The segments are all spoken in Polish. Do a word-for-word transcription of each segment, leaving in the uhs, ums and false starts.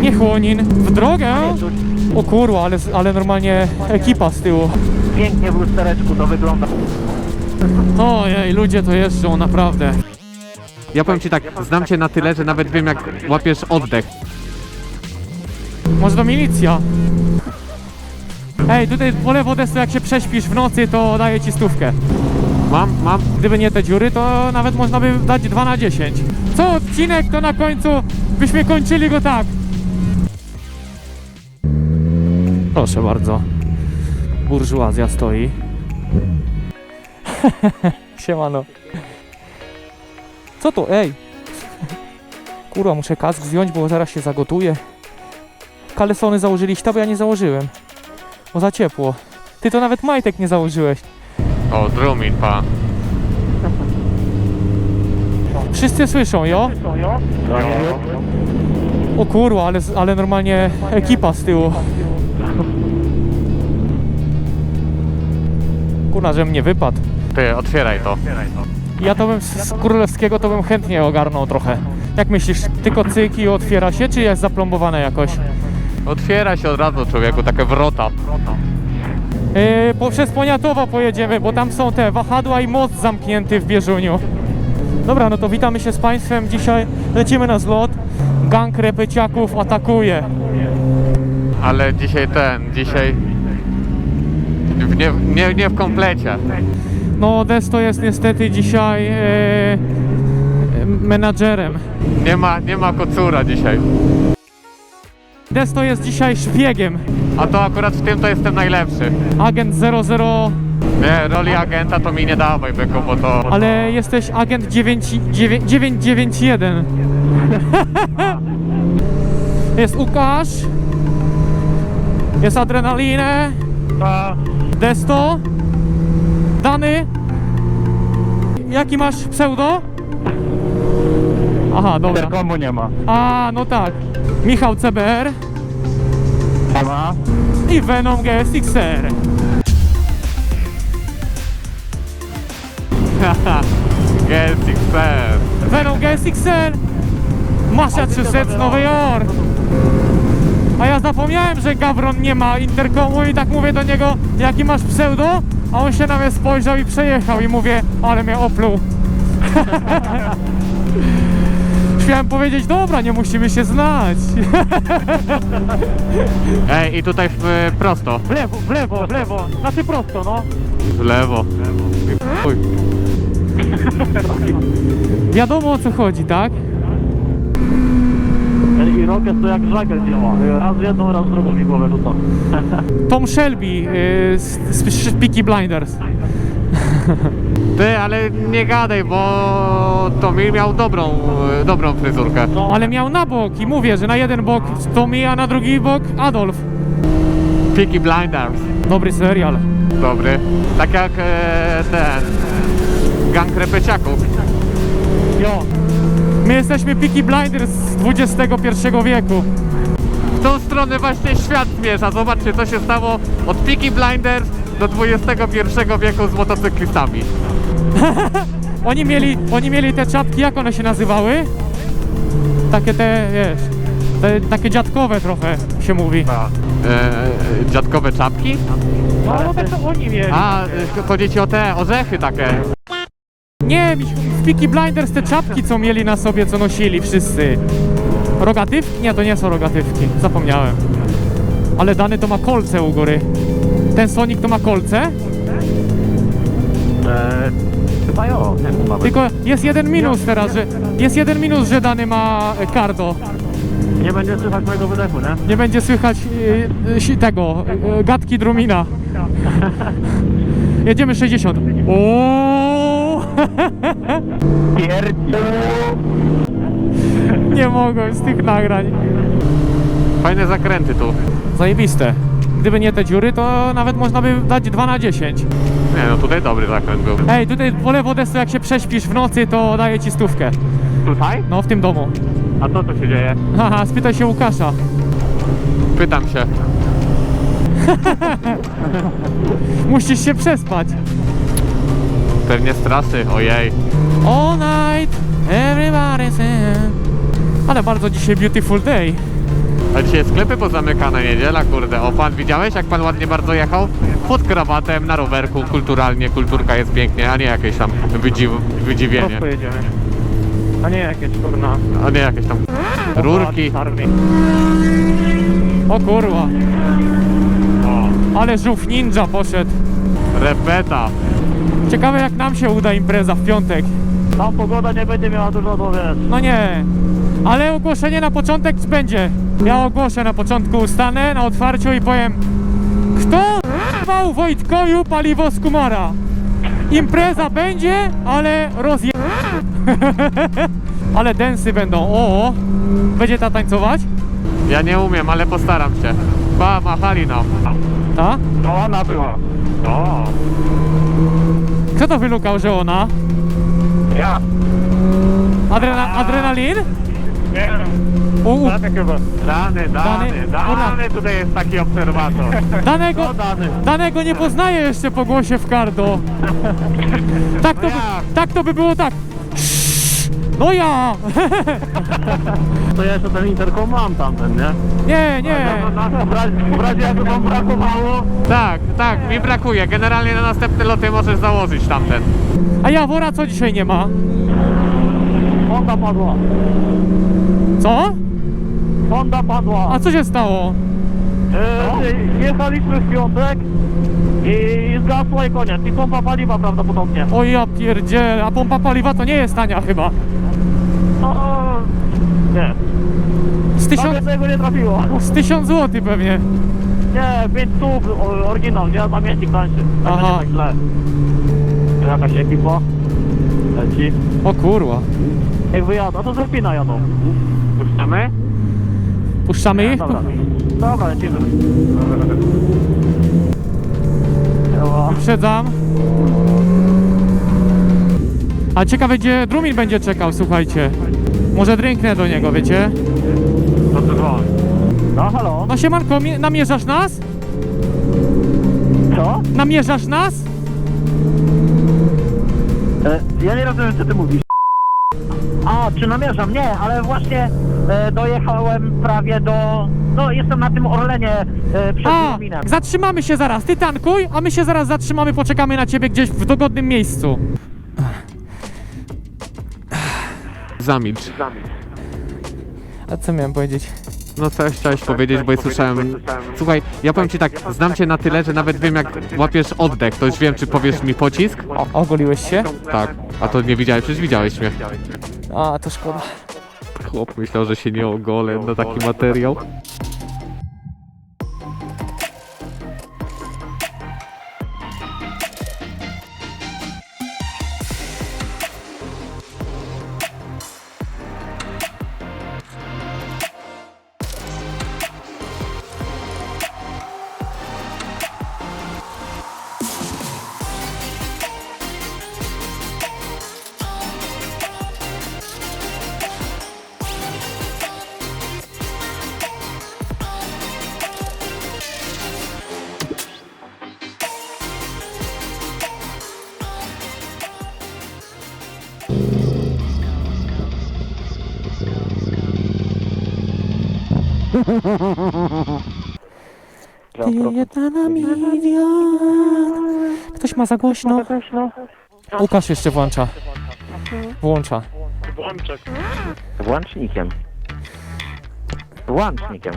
Chłonin. W drogę? O kurwa, ale, ale normalnie ekipa z tyłu. Pięknie w lustereczku to wygląda. Ojej, ludzie to jeżdżą, naprawdę. Ja powiem ci tak, znam cię na tyle, że nawet wiem jak łapiesz oddech. Może to milicja? Ej, tutaj po lewo desto, jak się prześpisz w nocy, to daję ci stówkę. Mam, mam. Gdyby nie te dziury, to nawet można by dać dwa na dziesięć. Co odcinek, to na końcu byśmy kończyli go tak. Proszę bardzo. Burżuazja stoi. Siemano. Co to? Ej! Kurwa, muszę kask zdjąć, bo zaraz się zagotuję. Kalesony założyliście, bo ja nie założyłem. Bo za ciepło. Ty to nawet majtek nie założyłeś. O, drumin, pa. Wszyscy słyszą, jo? O kurwa, ale, ale normalnie ekipa z tyłu. Kurwa, że mnie wypadł. Ty, otwieraj to. Ja to bym z królewskiego to bym chętnie ogarnął trochę. Jak myślisz, tylko cyk i otwiera się, czy jest zaplombowane jakoś? Otwiera się od razu, człowieku, takie wrota. Yy, po, przez Poniatowa pojedziemy, bo tam są te wahadła i most zamknięty w Bieżuniu. Dobra, no to witamy się z Państwem. Dzisiaj lecimy na zlot. Gang repeciaków atakuje. Ale dzisiaj ten, dzisiaj... w- Nie, nie, nie w komplecie. No, Desto jest niestety dzisiaj e, menadżerem. Nie ma, nie ma kocura dzisiaj. Desto jest dzisiaj szpiegiem. A to akurat w tym to jestem najlepszy. Agent zero zero, Nie, roli agenta to mi nie dawaj, byku, bo to... ale jesteś agent dziewięć dziewięć jeden. Jest Łukasz. Jest Adrenalinę. Desto. Dany. Jaki masz pseudo? Aha, dobra. Interkomu nie ma. A, no tak. Michał C B R Nie ma. i Venom G S X R. G S X R. Venom G S X R. Massachusetts, Nowy Jork. A ja zapomniałem, że Gawron nie ma interkomu i tak mówię do niego, jaki masz pseudo? A on się na mnie spojrzał i przejechał i mówię, ale mnie opluł. Chciałem powiedzieć, dobra, nie musimy się znać. Ej, i tutaj w, prosto. W lewo, w lewo, w lewo. Znaczy prosto, no. W lewo. Uj. Wiadomo, o co chodzi, tak? I Rocket to jak żagiel działa. Raz jedną, raz drugą mi głowę rzuca. Tom Shelby yy, z, z Peaky Blinders. Ty, ale nie gadaj, bo Tommy miał dobrą, dobrą fryzurkę. Ale miał na bok i mówię, że na jeden bok Tommy, a na drugi bok Adolf. Peaky Blinders. Dobry serial. Dobry. Tak jak e, ten gang repeciaków. Jo. My jesteśmy Peaky Blinders z dwudziestego pierwszego wieku. W tą stronę właśnie świat zmierza. Zobaczcie, co się stało od Peaky Blinders do dwudziestego pierwszego wieku z motocyklistami. Oni mieli, oni mieli te czapki, jak one się nazywały? Takie te, wiesz, te, takie dziadkowe trochę się mówi. E, dziadkowe czapki? No, no tak to oni mieli. A, e, chodzi ci o te orzechy takie. Nie, w Peaky Blinders te czapki, co mieli na sobie, co nosili wszyscy. Rogatywki? Nie, to nie są rogatywki, zapomniałem. Ale Dany to ma kolce u góry. Ten Sonic to ma kolce? Eee, chyba jo, nie ma. Tylko jest jeden minus teraz, że jest jeden minus, że Dany ma e, cardo. Nie będzie słychać mojego wydechu, nie? Nie będzie słychać e, e, tego, e, gadki Drumina. Jedziemy sześćdziesiąt. Ooo! Pierdolę. Nie mogłem z tych nagrań. Fajne zakręty tu. Zajebiste. Gdyby nie te dziury, to nawet można by dać dwa na dziesięć. Nie no, tutaj dobry zakręt był. Ej, tutaj po lewo desto, jak się prześpisz w nocy, to daję ci stówkę. Tutaj? No, w tym domu. A co tu się dzieje? Haha, spytaj się Łukasza. Pytam się. Musisz się przespać. Pewnie strasy, ojej. All night, everybody's in. Ale bardzo dzisiaj beautiful day. A dzisiaj sklepy pozamykane, niedziela, kurde. O, pan widziałeś, jak pan ładnie bardzo jechał? Pod krawatem, na rowerku, kulturalnie, kulturka jest pięknie, a nie jakieś tam wydziw wydziwienie. Prosto jedziemy. A nie jakieś kurna. A nie jakieś tam rurki. Armii. O kurwa, O, ale żółw ninja poszedł. repeta. Ciekawe jak nam się uda impreza w piątek. Tam pogoda nie będzie miała dużo do wiesz. No nie, ale ogłoszenie na początek będzie. Ja ogłoszę na początku, stanę na otwarciu i powiem: kto wał Wojtkoju paliwo z Kumara? Impreza będzie, ale rozje... ale densy będą, o, będzie ta tańcować? Ja nie umiem, ale postaram się. Ba, machali nam. Ta? No ona była. O, Kto to wylukał, że ona? Ja. Adrena adrenalin? Nie. U, u, Tak chyba. dany, dany, Dany? dany, tutaj jest taki obserwator. danego, No dany. danego nie poznaję jeszcze po głosie w kardo. Tak to, by, tak to by było tak. No ja! To ja jeszcze ten interkom mam tamten, nie? Nie, nie. W razie, w razie jakby wam brakowało. Tak, tak, mi brakuje. Generalnie na następne loty możesz założyć tamten. A Jawora co dzisiaj nie ma? Honda padła. Co? Honda padła. A co się stało? E, jechaliśmy w piątek i zgasła i koniec. I pompa paliwa prawdopodobnie. O ja pierdzielę, a pompa paliwa to nie jest tania chyba. No, nie. Z Tam tysiąc, jednego nie trafiło. z tysiąc złotych pewnie. Nie, pięć stów o- oryginał, nie? Pamiętnik tańszy. Tak Aha. będzie tak źle. Jakaś ekipa leci. O kurwa. Jak wyjadą, to z Rupina jadą. Puszczamy? Puszczamy ich? Dobra. Dobra, lecimy. Dobra. Wyprzedzam. A ciekawe gdzie Drumin będzie czekał, słuchajcie. Może drinknę do niego, wiecie? To ty dzwoń. No halo? No siemanko, mi- namierzasz nas? Co? Namierzasz nas? E, ja nie rozumiem, co ty mówisz. A, czy namierzam? Nie, ale właśnie e, dojechałem prawie do... No, jestem na tym Orlenie e, przed A, Lubinem. zatrzymamy się zaraz. Ty tankuj, a my się zaraz zatrzymamy, poczekamy na ciebie gdzieś w dogodnym miejscu. Zamilcz. A co miałem powiedzieć? No coś chciałeś powiedzieć, bo ja słyszałem... Słuchaj, ja powiem ci tak, znam cię na tyle, że nawet wiem jak łapiesz oddech, to już wiem, czy powiesz mi pocisk? O, ogoliłeś się? Tak. A to nie widziałeś, przecież widziałeś mnie. A, to szkoda. Chłop myślał, że się nie ogolę na taki materiał. Ty jedna na milion. Ktoś ma za głośno. Łukasz jeszcze włącza. Włącza. Włączek. Włącznikiem. Włącznikiem.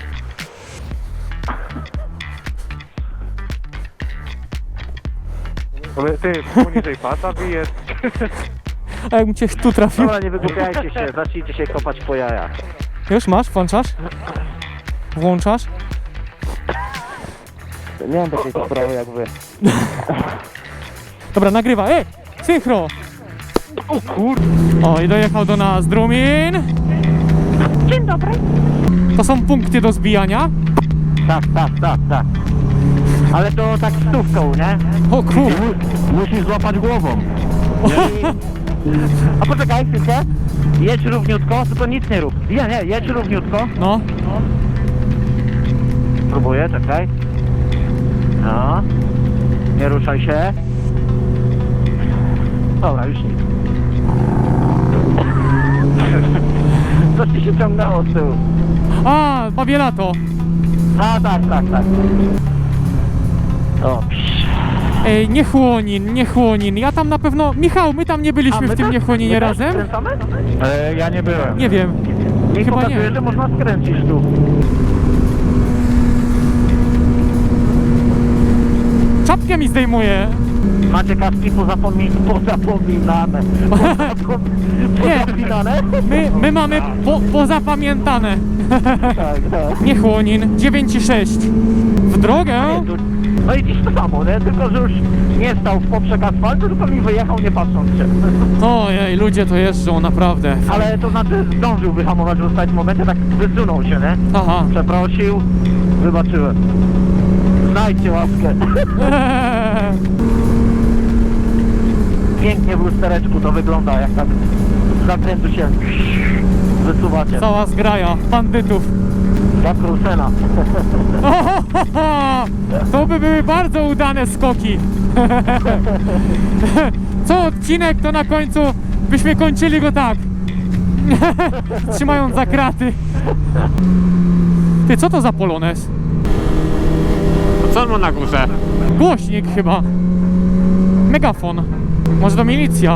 Ty, poniżej pasa bijesz. A jakbym cię tu trafił? Dobra, nie wygłupiajcie się, zacznijcie się kopać po jajach. Już masz? Włączasz? Włączasz? Nie mam takiej sprawy jak wy. Dobra, nagrywa. Ej! Synchro! O kur... O, i dojechał do nas Drumin. Dzień dobry. To są punkty do zbijania. Tak, tak, tak, tak. Ale to tak stówką, nie? O kur... Mu- musisz złapać głową. I... A poczekaj, chwilkę. Jedź równiutko, tylko nic nie rób. Nie, nie, jedź równiutko. No. Próbuję, czekaj. No. Nie ruszaj się. Dobra, już nic. Coś ci się ciągnęło z tyłu. A, Babielato. A, tak, tak, tak. O, psz. Ej, Niechłonin, Niechłonin. Ja tam na pewno... Michał, my tam nie byliśmy w tym też? Niechłoninie My też razem? skręcamy? E, ja nie byłem. Nie wiem. Mi Chyba pokazuje, nie. że można skręcić tu. Czapkę mi zdejmuje. Macie kaski pozapomi pozapominane. Nie. Pozapominane? My, my mamy po, pozapamiętane. Tak, tak. Niechłonin, dziewięć i sześć. W drogę? No i dziś to samo, nie? Tylko, że już nie stał w poprzek asfaltu, tylko mi wyjechał nie patrząc się. Ojej, ludzie to jeżdżą, naprawdę. Ale to znaczy zdążył wyhamować w ostatnim momencie, tak wysunął się, nie? Aha. Przeprosił, wybaczyłem. Znajdźcie łaskę. Eee. Pięknie w lustereczku to wygląda, jak tak z zakrętu się wysuwacie. Cała zgraja bandytów. Jak Rusena. To by były bardzo udane skoki. Co odcinek, to na końcu byśmy kończyli go tak. Trzymając za kraty. Ty, co to za Polones? To co on ma na górze? Głośnik chyba. Megafon. Może to milicja.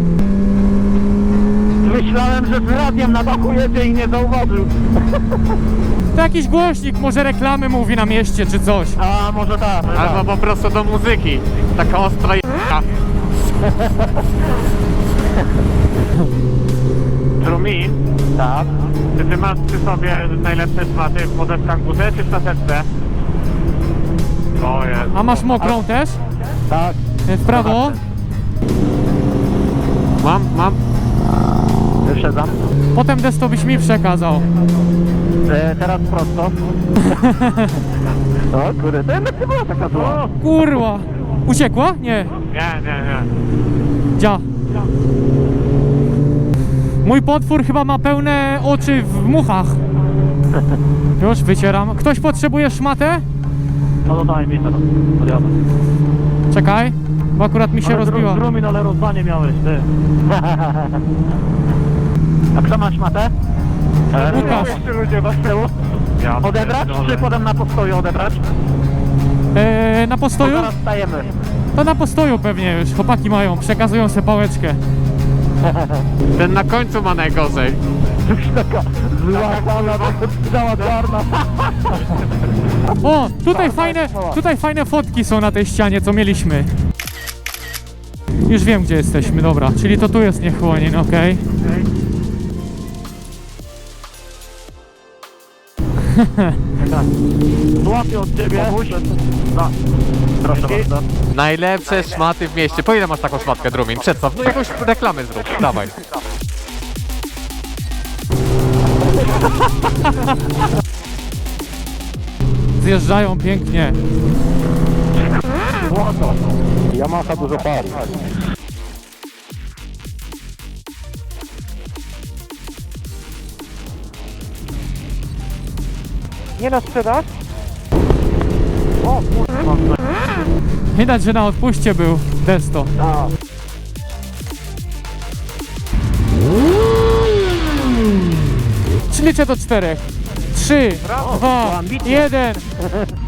Myślałem, że z radiem na dachu jedzie i nie zauważył. To jakiś głośnik, może reklamy mówi na mieście czy coś. A może tak. może Albo tak. po prostu do muzyki. Taka ostra j***a. Trumin, Tak. czy ty masz przy sobie najlepsze szmaty w podeszkach górze czy w szafeczce? O jest. A masz mokrą też? Tak. W prawo? Mam, mam. Wyszedam. Potem desto byś mi przekazał. E, teraz prosto. O kurde, to jednak nie była taka zła. Kurwa. Uciekła? Nie. Nie, nie, nie. Dzia. Mój potwór chyba ma pełne oczy w muchach. Już wycieram. Ktoś potrzebuje szmatę? No to daj mi teraz. Podjadę. Czekaj, bo akurat mi się rozbiła. Drumin, ale rozdanie miałeś, ty. A kto masz matę? Łukasz. Jeszcze ludzie was tyłu. Ja Odebrać, pierdolę. czy potem na postoju odebrać? Eee, na Bo postoju? zaraz stajemy. To na postoju pewnie już. Chłopaki mają, przekazują sobie pałeczkę. Ten na końcu ma najgorzej. Już taka zła pana, cała czarna. O, tutaj fajne, tutaj fajne fotki są na tej ścianie, co mieliśmy. Już wiem, gdzie jesteśmy, dobra. Czyli to tu jest Niechłonin, okej. Złapię od ciebie. No, proszę bardzo. Najlepsze szmaty w mieście. Po ile masz taką szmatkę, Drumin? Przedstaw, no jakąś reklamę zrób. Dawaj. Zjeżdżają pięknie. Złoto. Yamaha dużo pali. Nie na sprzedaż? O, kurwa. Widać, że na odpuście był Desto. A. Czy liczę do czterech? Trzy, dwa, ambitnie. jeden.